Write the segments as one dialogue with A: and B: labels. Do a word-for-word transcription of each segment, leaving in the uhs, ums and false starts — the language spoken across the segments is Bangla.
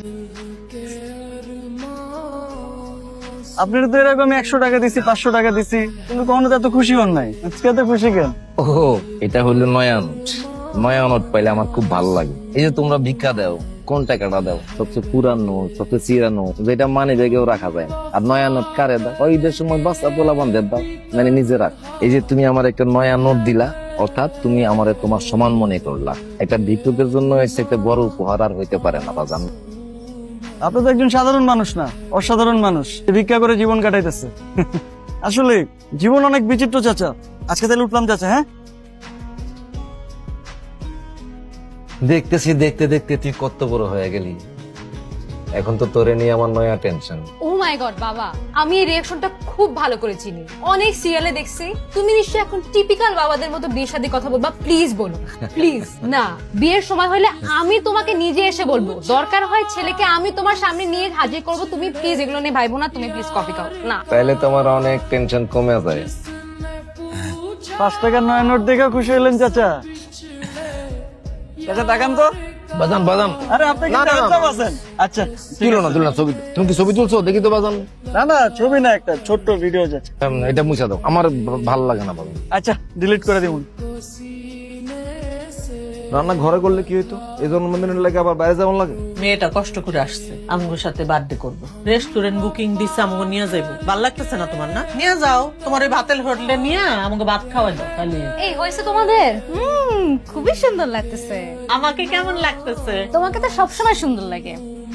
A: আপনার তো এরকম একশো টাকা দিছি, পাঁচশো টাকা দিছি, কিন্তু কখনো তো এত খুশি হন নাই। আজকে এত খুশি কেন?
B: ও এটা হলো নয়া নোট। নয়া নোট পাইলে আমার খুব ভালো লাগে। এই যে তোমরা ভিক্ষা দাও, কোন টাকাটা দাও? সবচেয়ে পুরানো, সবচেয়ে চিরানো, যেটা মানে জায়গায় রাখা যায় না। আর নয়া নোট কারে দাও? ওই ঈদের সময় বাচ্চা পোলা বান্ধব দাও, মানে নিজে রাখ। এই যে তুমি আমার একটা নয়া নোট দিলা, অর্থাৎ তুমি আমারে তোমার সমান মনে করলা। একটা ভিক্ষুকের জন্য এসে একটা বড় উপহার আর হইতে পারে না বাজান।
A: আপনি তো একজন সাধারণ মানুষ না, অসাধারণ মানুষ, ভিক্ষা করে জীবন কাটাইতেছে। আসলে জীবন অনেক বিচিত্র চাচা। আজকে তাহলে উঠলাম চাচা। হ্যাঁ,
B: দেখতেছি দেখতে দেখতে তুই কত বড় হয়ে গেলি। এখন তো তোরে নিয়ে আমার নয়া টেনশন।
C: ও মাই গড বাবা, আমি এই রিঅ্যাকশনটা খুব ভালো করে চিনি, অনেক সিরিয়ালে দেখছি। তুমি নিশ্চয়ই এখন টিপিক্যাল বাবাদের মতো বিয়ের সাথে কথা বলবা। প্লিজ বলো, প্লিজ। না, বিয়ের সময় হলে আমি তোমাকে নিজে এসে বলবো, দরকার হয় ছেলেকে আমি তোমার সামনে নিয়ে হাজির করব। তুমি প্লিজ এগুলো নিয়ে ভাইবো না। তুমি প্লিজ কফি খাও না।
B: তাইলে তোমার অনেক টেনশন কমে যায়।
A: পাঁচ টাকার নয় নোট দেখে খুশি হলেন চাচা? চাচা তাকান তো।
B: বাজান বাজান,
A: আরে আপনি কি
B: না, না, না।
A: চাচা আছেন? আচ্ছা,
B: তুলো না তুলো না ছবি। তুমি কি ছবি তুলছো? দেখি তো বাজান।
A: না না, ছবি না, একটা ছোট্ট ভিডিও যাচ্ছে।
B: উম, এটা মুছা দাও, আমার ভালো লাগে না বাজান।
A: আচ্ছা, ডিলিট করে দিবুন।
B: রান্না ঘরে করলে কি হইতো? এই জন্মদিনের লাগে আবার বাইরে যাওয়ার লাগে।
D: মেয়েটা কষ্ট করে আসছে আমগোর সাথে বার্থডে করবো, রেস্টুরেন্ট বুকিং দিচ্ছে, আমগো নিয়ে যাইবো। ভাল লাগতেছে না তোমার? না নিয়ে যাও, তোমার ওই ভাতের হোটেলে নিয়ে আমাকে ভাত খাওয়াই দাও। তাহলে
C: এই হয়েছে তোমাদের? হুম, খুবই সুন্দর লাগতেছে।
D: আমাকে কেমন লাগতেছে?
C: তোমাকে তো সবসময় সুন্দর লাগে।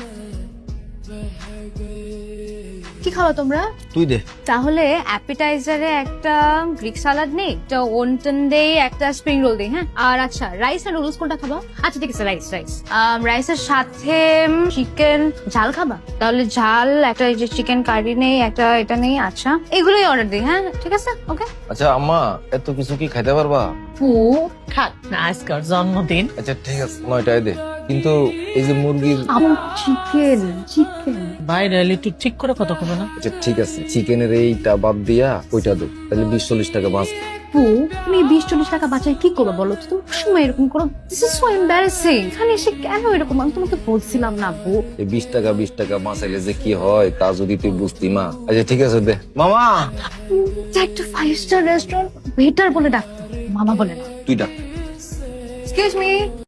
C: কি খাওয়া তোমরা?
B: তুই দে।
C: তাহলে অ্যাপিটাইজারে একটা গ্রিক সালাড নেই, একটা ওনটন দেই, একটা স্প্রিং রোল দেই। হ্যাঁ, আর আচ্ছা রাইস আর নুডলস কোনটা খাবা? আচ্ছা ঠিক আছে, রাইস রাইস রাইসের সাথে চিকেন ঝাল খাবা? তাহলে ঝাল একটা, এই যে চিকেন কারি নেই, একটা এটা নেই। আচ্ছা এগুলোই অর্ডার দিই। হ্যাঁ ঠিক আছে, ওকে।
B: আচ্ছা আম্মা, এত কিছু কি খাইতে পারবা?
C: ও
D: খাক না, আজকের জন্মদিন।
B: আচ্ছা ঠিক আছে, নয়টায় দে। কিন্তু এই যে মুরগির,
C: চিকেন চিকেন
D: বাইরে এলে একটু ঠিক করে কথা কবে না?
B: আচ্ছা ঠিক আছে, চিকেনের এইটা বাদ দিয়া ওইটা দে, তাহলে বিশ চল্লিশ টাকা বাঁচ।
C: আপু, তুমি বিশ চল্লিশ টাকা বাঁচাই কি করবো বলো তো? তুমি সময় এরকম করো, দিস ইজ সো এম্বারাসিং। এখানে এসে কেন এরকম? আমি তোমাকে বলছিলাম না আপু।
B: এই বিশ টাকা বিশ টাকা বাঁচাইলে যে কি হয় তা যদি তুই বুঝতি মা। আচ্ছা ঠিক আছে দে মামা।
C: যে একটা ফাইভ স্টার রেস্টুরেন্ট ওয়েটার বলে ডাকতো, মামা বলে না।
B: তুই ডাক।
C: Excuse me.